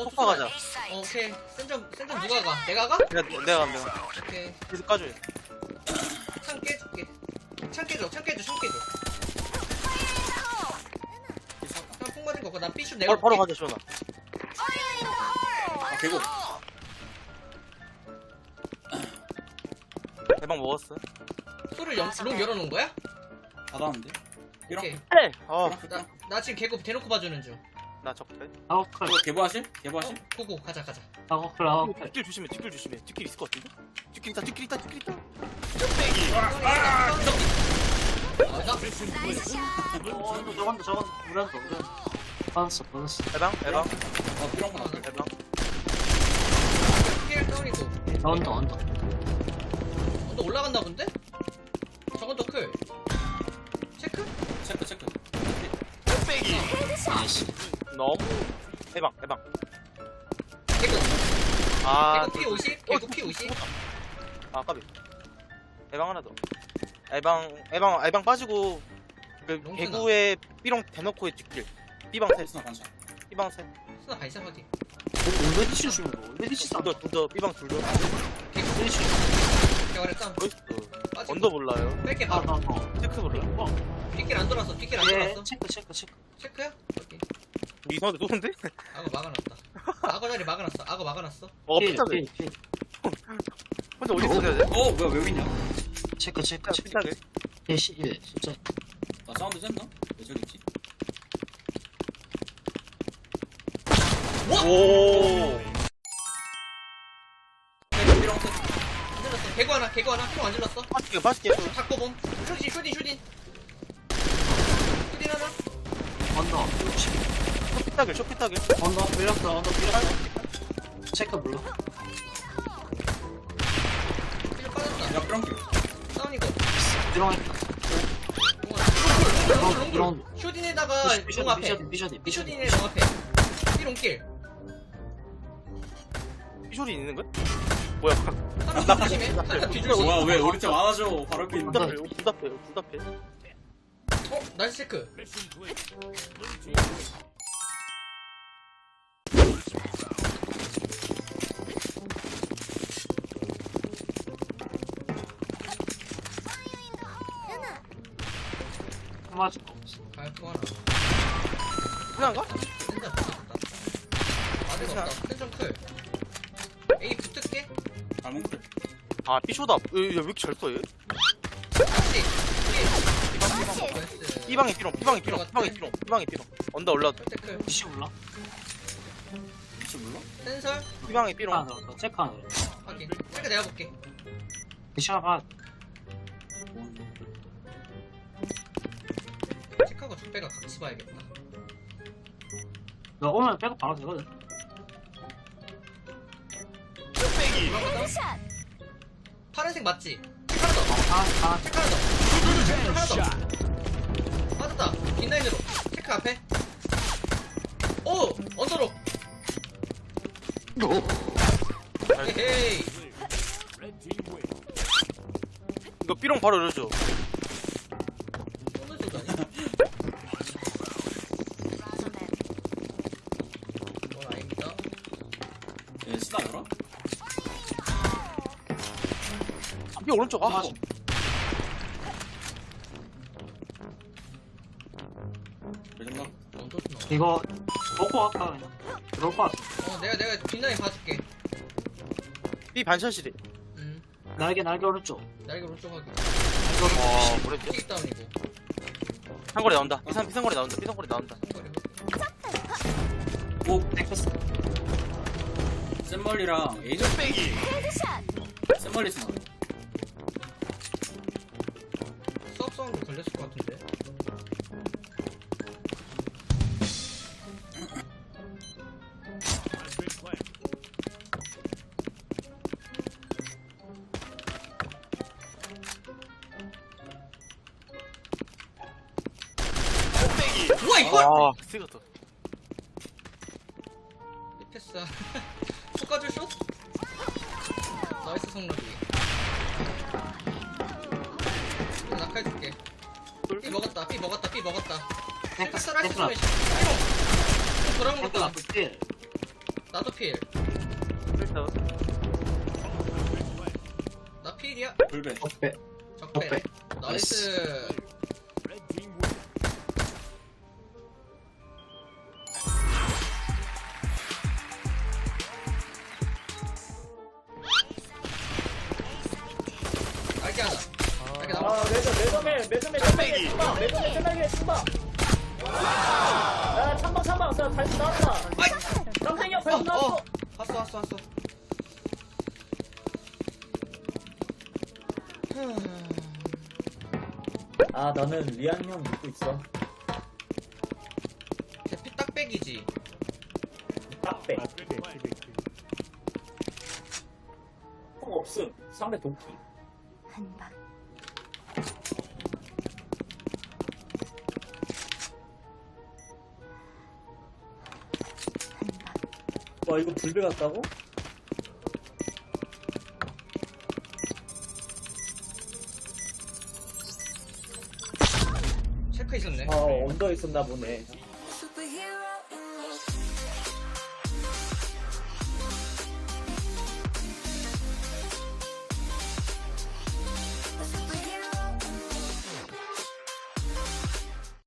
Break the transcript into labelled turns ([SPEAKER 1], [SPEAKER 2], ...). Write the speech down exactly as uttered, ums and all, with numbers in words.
[SPEAKER 1] 어,
[SPEAKER 2] 폭파 가자.
[SPEAKER 1] 어, 오케이. 센점, 센점 누가 가? 내가 가?
[SPEAKER 2] 내가 내가 가면 내가.
[SPEAKER 1] 오케이.
[SPEAKER 2] 계속 까줘.
[SPEAKER 1] 창 깨줄게. 창 깨줘, 창 깨줘, 창 깨줘. 창폭 맞은 거고, 난 B슛 내가.
[SPEAKER 2] 바로 바로 가자 시원아.
[SPEAKER 3] 아 개고.
[SPEAKER 2] 대박 먹었어.
[SPEAKER 1] 소를 영, 롱 열어놓은 거야?
[SPEAKER 3] 닫았는데. 이런.
[SPEAKER 1] 오케이.
[SPEAKER 2] 어,
[SPEAKER 1] 나, 나 지금 개급 대놓고 봐주는 중.
[SPEAKER 2] 나 적대.
[SPEAKER 4] 아웃클
[SPEAKER 3] 이거 개보하실?
[SPEAKER 1] 어?
[SPEAKER 3] 개보하실?
[SPEAKER 1] 고고, 가자, 가자.
[SPEAKER 4] 아웃클 아웃클
[SPEAKER 2] 뒷길 조심해. 뒷길 조심해. 뒷길 있을 것 같은데? 뒷길 있다. 뒷길 있다. 뒷길 있다.
[SPEAKER 1] 아,
[SPEAKER 4] 어 이거 저건다 저건다 우란다 우란다 받았어 받았어
[SPEAKER 2] 대박 대박
[SPEAKER 3] 어 이런 거 나왔다.
[SPEAKER 2] 대박.
[SPEAKER 1] 킬 다운이고.
[SPEAKER 4] 나온다 온다
[SPEAKER 1] 언더 올라갔나 본데? 저건 더 클. 체크?
[SPEAKER 3] 체크 체크.
[SPEAKER 4] 나이스
[SPEAKER 2] 너무 대박 대박.
[SPEAKER 1] 개급.
[SPEAKER 2] 아,
[SPEAKER 1] 개급 P 오십? 개급 P 오십?
[SPEAKER 2] 아 까비. 에방 하나 더. 에방 에방 에방 빠지고 그
[SPEAKER 1] 롱스나.
[SPEAKER 2] 개구에 삐롱 대놓고의 뒷길. 삐방 셋.
[SPEAKER 3] 스나 반샷.
[SPEAKER 2] 삐방 셋.
[SPEAKER 1] 스나 발사 확인.
[SPEAKER 4] 올레디시 주는 거 올레디시 싸
[SPEAKER 2] 둘더 둘더 삐방 둘더.
[SPEAKER 1] 개급
[SPEAKER 4] 올레디시
[SPEAKER 1] 개발의 땀.
[SPEAKER 2] 나이스.
[SPEAKER 1] 빠지고.
[SPEAKER 2] 언더 몰라요.
[SPEAKER 1] 뺄게 바로.
[SPEAKER 4] 아나나
[SPEAKER 2] 체크 몰라.
[SPEAKER 1] 뒷길 안 돌았어. 뒷길 안
[SPEAKER 4] 예
[SPEAKER 1] 돌았어.
[SPEAKER 4] 체크 체크 체크
[SPEAKER 1] 체크야? 오케이.
[SPEAKER 2] 이상한데 쏘는데?
[SPEAKER 1] 악어 막아놨다. 악어 자리 막아놨어. 악어 막아놨어.
[SPEAKER 2] 어
[SPEAKER 4] 필,
[SPEAKER 2] 피타게.
[SPEAKER 4] 필, 필.
[SPEAKER 2] 혼자 어디 있어야 돼?
[SPEAKER 3] 어 뭐야 왜 여기 있냐?
[SPEAKER 4] 체크 체크 체크
[SPEAKER 2] 피타게.
[SPEAKER 4] 예시 일 진짜
[SPEAKER 3] 나 사운드 쟀나? 왜 저기 있지?
[SPEAKER 2] 오.
[SPEAKER 3] 개고 이런 거.
[SPEAKER 1] 안 질렀어. 개구 하나, 개구 하나. 피롱 안 질렀어.
[SPEAKER 2] 맛있게 맛있게.
[SPEAKER 1] 닫고 봄. 슈딘, 슈딘, 슈딘. 슈딘 하나.
[SPEAKER 4] 언더
[SPEAKER 2] 쇼피타게 쇼피타게.
[SPEAKER 4] 언더 밀렸어 언더 밀렸어 체크 몰라
[SPEAKER 1] 피롱 빠졌다.
[SPEAKER 3] 야 그런 게.
[SPEAKER 1] 다운이고.
[SPEAKER 4] 들어가니까
[SPEAKER 1] 롱, 롱,
[SPEAKER 4] 이런-
[SPEAKER 1] 롱. 슈딘에다가 롱
[SPEAKER 4] 비셔디
[SPEAKER 1] 앞에.
[SPEAKER 4] 비셔디 비셔디 비셔디
[SPEAKER 1] 슈딘에 롱 앞에. 피롱길.
[SPEAKER 2] 피쇼리 있는 거야? 뭐야?
[SPEAKER 1] 하나 뒤조심해. 하나 뒤조심.
[SPEAKER 3] 뭐야 왜 우리 팀 안아줘? 바로 옆에 있는데.
[SPEAKER 2] 둘다 빼. 둘다 빼. 둘다 빼.
[SPEAKER 1] 어? 나이스 체크.
[SPEAKER 4] 맞을 거 없어
[SPEAKER 1] 발포 하나.
[SPEAKER 2] 그냥가?
[SPEAKER 1] 센점 붙었다. 맞을 거 없다. 센점 클. A 붙을게.
[SPEAKER 3] 발목들.
[SPEAKER 2] 아 피쇼다. 왜 이렇게 잘 써 얘?
[SPEAKER 1] 다시. 나이스.
[SPEAKER 2] 삐방이 삐롱. 삐방이 삐롱. 삐방이 삐롱. 삐방이 삐롱. 언더 올라도.
[SPEAKER 1] 체크.
[SPEAKER 4] 비시 몰라
[SPEAKER 3] 혹시 몰라?
[SPEAKER 1] 센설
[SPEAKER 2] 삐방이
[SPEAKER 4] 체크
[SPEAKER 2] 삐롱.
[SPEAKER 4] 하나 들어갔다 체크 하나 들어갔다
[SPEAKER 1] 확인. 체크 내가 볼게.
[SPEAKER 4] 비시 하나
[SPEAKER 1] 체크하고 적배가 같이 봐야겠다.
[SPEAKER 4] 너 오면 백업 바로 되거든
[SPEAKER 1] 파란색 맞지? 체크 하나 더.
[SPEAKER 4] 아아
[SPEAKER 1] 체크 하나 더. 체크 하나 더. 빠졌다. 빈라인으로. 체크 앞에. 오! 언더로. 헤헤이.
[SPEAKER 2] 이거 삐롱 바로 열어줘.
[SPEAKER 1] 쏘는 소리 아니야? 넌 아닙니다.
[SPEAKER 3] 예 스나 열어?
[SPEAKER 2] 삐 오른쪽. 아.
[SPEAKER 4] 맞아.
[SPEAKER 3] 왜 생각?
[SPEAKER 1] 언더 스나.
[SPEAKER 4] 이거 먹고 갈까 그냥 들어올 것 같아
[SPEAKER 1] 어, 내가, 내가 빈라인 봐줄게.
[SPEAKER 2] 삐 반샷이래.
[SPEAKER 1] 음.
[SPEAKER 4] 날개 날개 오른쪽
[SPEAKER 1] 날개 오른쪽 하기.
[SPEAKER 2] 어 뭐랬지?
[SPEAKER 1] 킥 다운이고.
[SPEAKER 2] 상거리 나온다. 삐상 삐상거리 나온다. 삐상거리 나온다.
[SPEAKER 3] 오
[SPEAKER 4] 땡겼어
[SPEAKER 3] 샘멀리랑 에이저 빼기. 샘멀리 스나.
[SPEAKER 1] 수업 사운드 걸렸을 것 같은데. 우와 이걸!
[SPEAKER 2] 아 쓰겠다.
[SPEAKER 1] 이 패스. 속가줄 슛? 나이스 성락이. 이거 낙하해줄게. 삐 먹었다. 삐 먹었다. 삐 먹었다.
[SPEAKER 4] 땡겼어
[SPEAKER 1] 패스를 할수
[SPEAKER 4] 땡겼어
[SPEAKER 1] 있으면 삐롱. 돌아온
[SPEAKER 4] 땡겼어
[SPEAKER 1] 것도
[SPEAKER 4] 앞에 필
[SPEAKER 1] 나도 필.
[SPEAKER 2] 그래서
[SPEAKER 1] 나 필이야.
[SPEAKER 3] 불배.
[SPEAKER 4] 적배.
[SPEAKER 1] 적배.
[SPEAKER 4] 적배.
[SPEAKER 1] 나이스. 딸기 하나. 딸기 나와.
[SPEAKER 5] 아 매점 매점에 매점에 매점에 참방 매점에 매점에 참방 야 참방 참방 자 다시 나왔다
[SPEAKER 1] 아이!
[SPEAKER 5] 깜짝이야
[SPEAKER 1] 어,
[SPEAKER 5] 발톱 나왔어
[SPEAKER 1] 어. 왔어, 왔어, 왔어.
[SPEAKER 5] 아 나는 리안 형 믿고 있어
[SPEAKER 1] 대피 딱백이지.
[SPEAKER 5] 딱배 형 없음 상대 도끼
[SPEAKER 6] 한방 한방
[SPEAKER 5] 와 이거 불배 같다고?
[SPEAKER 1] 체크 있었네.
[SPEAKER 5] 아 언더 있었나 보네
[SPEAKER 6] Superhero